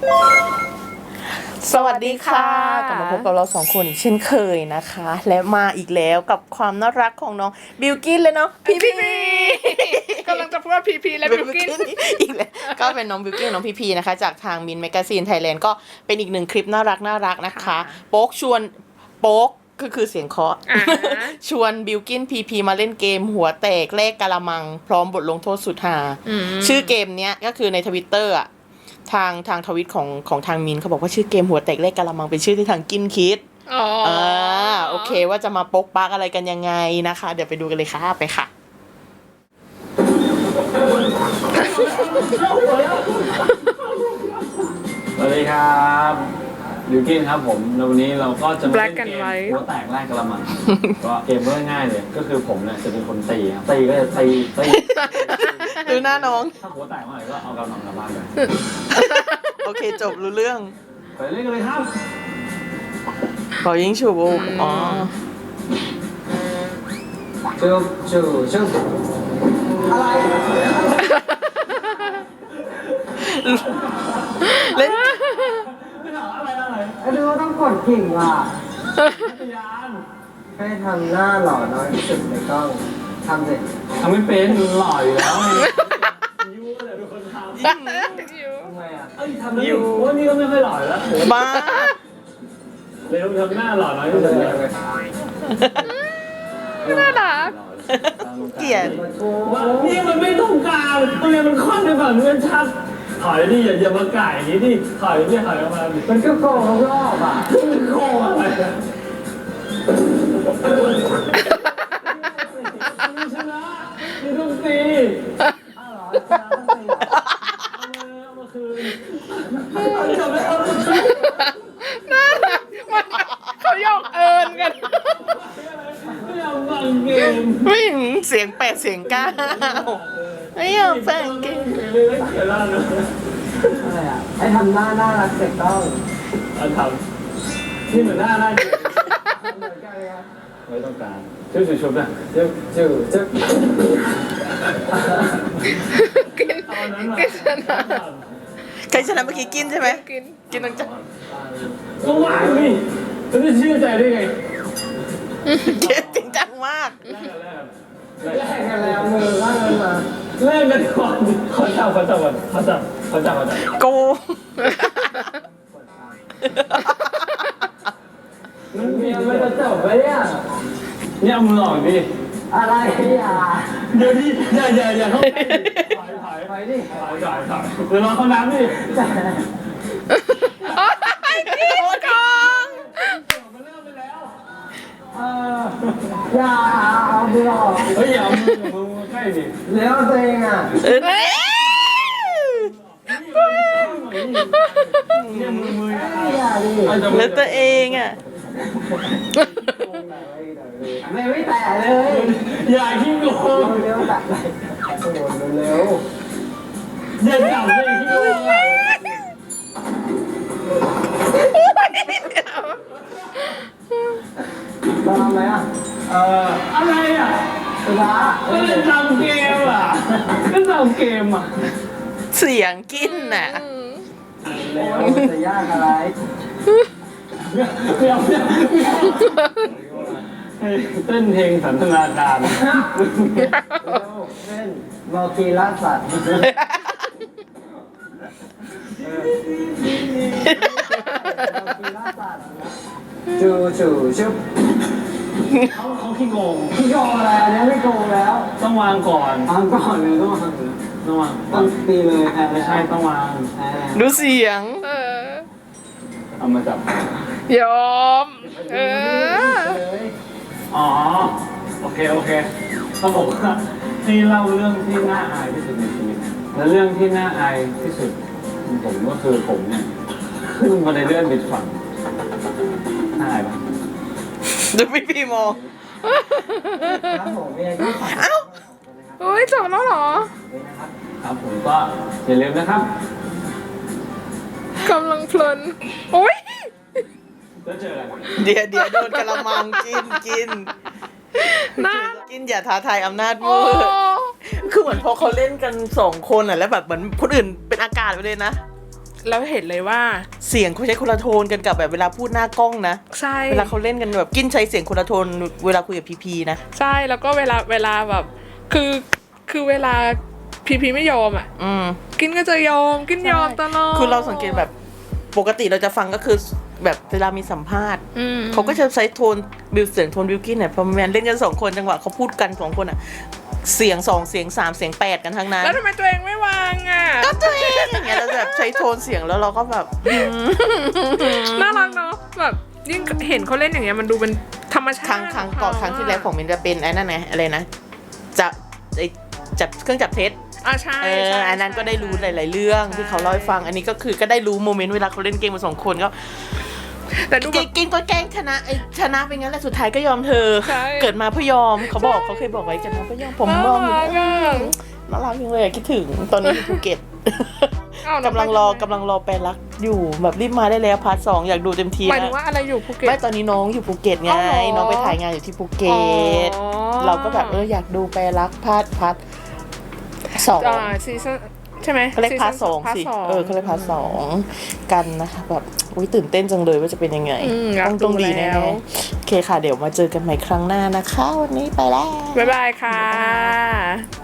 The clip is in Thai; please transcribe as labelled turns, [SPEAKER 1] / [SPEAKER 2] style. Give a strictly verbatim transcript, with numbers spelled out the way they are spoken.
[SPEAKER 1] สวัสดีค่ะกลับมาพบกับเราสองคนอีกเช่นเคยนะคะและมาอีกแล้วกับความน่ารักของน้องบิลกินเลยเนาะพีพี
[SPEAKER 2] กำลังจะพูดว่าพีพีและบิลกิน
[SPEAKER 1] อีกแล้วก็เป็นน้องบิลกินน้องพีพีนะคะจากทางมินแมกซีนไทยแลนด์ก็เป็นอีกหนึ่งคลิปน่ารักน่ารักนะคะโป๊กชวนโป๊กก็คือเสียงเคาะชวนบิลกินพีพีมาเล่นเกมหัวแตกเลขกะละมังพร้อมบทลงโทษสุดฮาชื่อเกมเนี้ยก็คือในทวิตเตอร์อะทางทางทวิตของของทางมินเขาบอกว่าชื่อเกมหัวแตกเลขกะละมังเป็นชื่อที่ทางกินคิด
[SPEAKER 2] อ๋ออ่า
[SPEAKER 1] โอเคว่าจะมาปกปักอะไรกันยังไงนะคะเดี๋ยวไปดูกันเลยค่ะไปค่ะ
[SPEAKER 3] สวัสดีครับบิวกินครับผมแล้ววันนี้เราก็จะมาเล่น
[SPEAKER 2] Black and
[SPEAKER 3] เกม
[SPEAKER 2] White
[SPEAKER 3] หัวแตกแรกกระมัง ก็เกมเรื่องง่ายเลย ก็คือผมเนี่ยจะเป็นคนตีครับตีก็จะตีตี
[SPEAKER 1] ดูหน้าน้อง
[SPEAKER 3] ถ้าหัวแตกเมื่อไหร่ก็เอากระมังกลับบ้านไป
[SPEAKER 1] โอเคจบรู้เรื่อง
[SPEAKER 3] ไปเล่นกันเลยครับ
[SPEAKER 1] เป่ายิงฉุบอ๋อ
[SPEAKER 3] จุ๊บจุ๊บจุ๊บอะไร
[SPEAKER 1] เล่น
[SPEAKER 3] ไม่ถามอะไรอะไร
[SPEAKER 4] ไอ้ดูว่าต้องกดกิ่งอ่ะ
[SPEAKER 3] พยาน
[SPEAKER 4] ให้ทำหน้าหล่อน้อยที่สุดในกล้องทำสิ
[SPEAKER 3] ทำไม่เป็นดูหล่ออยู่แล้วไงยูเลยเป็นคนทำ
[SPEAKER 4] ทำไมอ่ะ
[SPEAKER 3] เอ้ยทำแล้วยูว่านี่ก็ไม่ค่อยหล่อแล้ว
[SPEAKER 1] บ้า
[SPEAKER 3] เร็วทำหน้าหล่อน้อยที่สุดเลย
[SPEAKER 2] น่ารัก
[SPEAKER 1] เกลียด
[SPEAKER 3] นี่มันไม่ต้องการมันเลยมันค่อนไปฝั่งนู้นชัดถอยดิอย่าอย่ามาไก่อย่างนี้ดิถอยดิถอยออกมาดิ
[SPEAKER 4] มันก็โกงรอบอ่ะ
[SPEAKER 3] มันโค้งอะไรอะไม่ชนะนี่ต้องตี
[SPEAKER 4] อ้าวเหรอชนะต้องตีเหรอ
[SPEAKER 3] เอามาเอามาคืนเอาจับแล้วเอามาคืน
[SPEAKER 2] น่ารักมันเขาหยอกเอิญกัน
[SPEAKER 3] ไม่เอาฟังเกม
[SPEAKER 1] ไม่เห็นเสียงแปดเสียงเก้าไม่อยากแฝงเกม
[SPEAKER 3] เลยไม่เขียนแล้วนะ
[SPEAKER 4] อะไรอ่ะให้ทำหน้าน่ารักเสร็จต้อง
[SPEAKER 3] เอาทำนี่เหมือนหน้าหน้า
[SPEAKER 4] เหมือนกันเลยอ่ะ
[SPEAKER 3] ไม่ต้องการชื่อชุบนะชื่อ
[SPEAKER 4] จู่จึ๊บ
[SPEAKER 2] กินกินชนะ
[SPEAKER 1] ใครชนะเมื่อกี้กินใช่ไหม
[SPEAKER 2] กิน
[SPEAKER 1] กินต้องจับ
[SPEAKER 3] ก็วางนี่จะได้เชื่อใจได้ไง
[SPEAKER 1] เกมจริงจังมาก
[SPEAKER 3] แรกแรก
[SPEAKER 4] แลกกันแล้วมือล่างกันมา
[SPEAKER 3] แรกกันก่อนขอจับขอจับก่อนขอจับขอจับขอจับ
[SPEAKER 1] โก
[SPEAKER 4] มันยังไม่จะจบเลยอ่ะ
[SPEAKER 3] เนี่ยเอามือออกดิ
[SPEAKER 4] อะไรอ่ะ
[SPEAKER 3] เดี๋ยวดิอย่าอย่าอย่าเข้าไปถอยถอย
[SPEAKER 4] ไปดิ
[SPEAKER 3] ถอยถอยถอยเดี๋ยวรอเขาน้ำดิ
[SPEAKER 4] แต่
[SPEAKER 1] กินกอง
[SPEAKER 3] มันเริ่มไปแล้ว
[SPEAKER 4] เอออย่าเอามือออก
[SPEAKER 3] เฮ้ยอย่าเอามือมือใกล้ดิ
[SPEAKER 4] แล้วตัวเองอ่ะ
[SPEAKER 1] เอ้ย
[SPEAKER 3] เนี่ยมือมือ
[SPEAKER 4] อย่าดิ
[SPEAKER 1] แล้วตัวเองอ่ะ
[SPEAKER 4] ไม่ไม่แตะเลย
[SPEAKER 3] อย่าขี้โกง
[SPEAKER 4] เร็วๆแตะเลยโอ้โหเร็ว
[SPEAKER 3] อย่าจับเลยขี้โกง
[SPEAKER 4] ๆเราทำไหมอ่ะ
[SPEAKER 3] เอ่ออะไรอ่ะ
[SPEAKER 4] สุดา
[SPEAKER 3] ก็เล่นตามเกมอ่ะก็ตามเกมอ่ะ
[SPEAKER 1] เสียงกินน่ะ
[SPEAKER 4] เร็วจะยากอะไร
[SPEAKER 3] เดี๋ยวเดี๋ยวให้เต้นเพลงสันทนาการ
[SPEAKER 4] เร็วเล่นมอกีล่าสัตว์จูจูชุบ
[SPEAKER 3] เขาเขาขี้โกง
[SPEAKER 4] พี่โกงอะไรอันนี้ไม่โกงแล้ว
[SPEAKER 3] ต้องวางก่อน
[SPEAKER 4] วางก่อนเลยต้องวาง
[SPEAKER 3] ต้องวาง
[SPEAKER 4] ต้องตีเลยแพ้
[SPEAKER 3] ไม่ใช่ต้องวาง
[SPEAKER 4] แพ้
[SPEAKER 1] ดูเสียง
[SPEAKER 2] เออ
[SPEAKER 3] เอามาจับ
[SPEAKER 2] ยอม เออ
[SPEAKER 4] เลย
[SPEAKER 3] อ๋อโอเคโอเคเขาบอกว่าที่เล่าเรื่องที่น่าอายที่สุดในชีวิตและเรื่องที่น่าอายที่สุดของผมก็คือผมเนี่ยขึ้นมาในเลื่อนบิดฝั่งน่าอายปะ
[SPEAKER 1] ดูพี่พีมอง
[SPEAKER 4] ครับผมเองก็ขอ
[SPEAKER 1] เอ้า
[SPEAKER 2] เฮ้ยจบแล้วเหรอ
[SPEAKER 4] นะครับ
[SPEAKER 3] ครับผมก็อย่าลืมนะครับ
[SPEAKER 2] กำลังเพลินโอ้ย
[SPEAKER 3] แล้วเจอกัน
[SPEAKER 1] เดี๋ยวเดี๋ยวโดนกะละมังกินกิน
[SPEAKER 2] น่า
[SPEAKER 1] กินอย่าท้าทายอำนาจ
[SPEAKER 2] โอ้
[SPEAKER 1] มืดคือเหมือนพอเขาเล่นกันสองคนอ่ะแล้วแบบเหมือนคนอื่นเป็นอากาศไปเลยนะ
[SPEAKER 2] เราเห็นเลยว่า
[SPEAKER 1] เสียงเขาใช้คนละโทนกันกับแบบเวลาพูดหน้ากล้องนะ
[SPEAKER 2] ใช่
[SPEAKER 1] เวลาเขาเล่นกันแบบกินใช้เสียงคนละโทนเวลาคุยกับพีพีนะ
[SPEAKER 2] ใช่แล้วก็เวลาเวลาแบบคือคือเวลาพีพีไม่ยอมอ่ะ
[SPEAKER 1] อืม
[SPEAKER 2] กินก็จะยอมกินยอมตลอด
[SPEAKER 1] คือเราสังเกตแบบปกติเราจะฟังก็คือแบบเวลามีสัมภาษณ์
[SPEAKER 2] อืม
[SPEAKER 1] เขาก็จะใช้โทนบิวเสียงโทนบิวกินเนี่ยพอแมนเล่นกันสองคนจังหวะเขาพูดกันสองคนอ่ะเสียงสองเสียงสามเสียงแปดกันทั้งนั้น
[SPEAKER 2] แล้วทำไมตัวเองไม่วางอ่ะ
[SPEAKER 1] ก็ตัวเองอย่างเงี้ยเราแบบใช้โทนเสียงแล้วเราก็แบบอืม
[SPEAKER 2] น่ารักเนาะแบบยิ่งเห็นเขาเล่นอย่างเงี้ยมันดูเป็นธรรมชา
[SPEAKER 1] ครั้ง
[SPEAKER 2] ติ
[SPEAKER 1] ครั้งก่อนครั้งที่แล้วของมินจะเป็นไอ้นั่นไงอะไรนะจะไอ้จับเครื่องจับเท็จ
[SPEAKER 2] อ่ะใช่
[SPEAKER 1] เอ
[SPEAKER 2] ใช่
[SPEAKER 1] ออันนั้นก็ได้รู้หลาย ๆ เรื่องที่เขาเล่าให้ฟัง อันนี้ก็คือก็ได้รู้โมเมนต์เวลาเขาเล่นเกมมาสองคนก็
[SPEAKER 2] แต่ดู
[SPEAKER 1] กิ
[SPEAKER 2] แบ
[SPEAKER 1] น
[SPEAKER 2] บ
[SPEAKER 1] กินก็แกล้งชนะไอ้ชนะเป็นงั้นแหละสุดท้ายก็ยอมเธอ
[SPEAKER 2] ใช่
[SPEAKER 1] เกิดมาเพื่อยอมเขาบอกเขาเคยบอกไว้เกิดมาเพื่อยอมผมยอมอยู่
[SPEAKER 2] น่ารักอะ
[SPEAKER 1] น่ารักจังเลยอะคิดถึงตอนนี้อยู่ภูเก็ต
[SPEAKER 2] อ้าวแว
[SPEAKER 1] กำลังรอกำลังรอไปรักอยู่แบบรีบมาได้แล้วพาร์ทสองอยากดูเต็มที
[SPEAKER 2] หมายถึ
[SPEAKER 1] นะ
[SPEAKER 2] งว่าอะไรอยู่ภูเก็ต
[SPEAKER 1] ไม่ตอนนี้น้องอยู่ภูเก็ตไง
[SPEAKER 2] อ๋อเหรอ
[SPEAKER 1] น้องไปถ่ายงานอยู่ที่ภูเก็ต
[SPEAKER 2] อ๋อ
[SPEAKER 1] เราก็แบบเอออยากดูไปรักพาร์ทพาร์ทสอง
[SPEAKER 2] อ่าซีซั่นใช่ไหม
[SPEAKER 1] เขาเรียกพาร์ทสอง
[SPEAKER 2] พาร์ท
[SPEAKER 1] สิ
[SPEAKER 2] สอง
[SPEAKER 1] เออเขาเรียกพาร์ทสองกันนะคะแบบอุ้ยตื่นเต้นจังเลยว่าจะเป็นยังไง
[SPEAKER 2] อืมอยาก
[SPEAKER 1] ต้องต้อง
[SPEAKER 2] ดู
[SPEAKER 1] ดีแน่
[SPEAKER 2] แล้ว
[SPEAKER 1] ๆโอเคค่ะเดี๋ยวมาเจอกันใหม่ครั้งหน้านะคะ วันนี้ไปแล้ว
[SPEAKER 2] บ๊ายบายค่ะ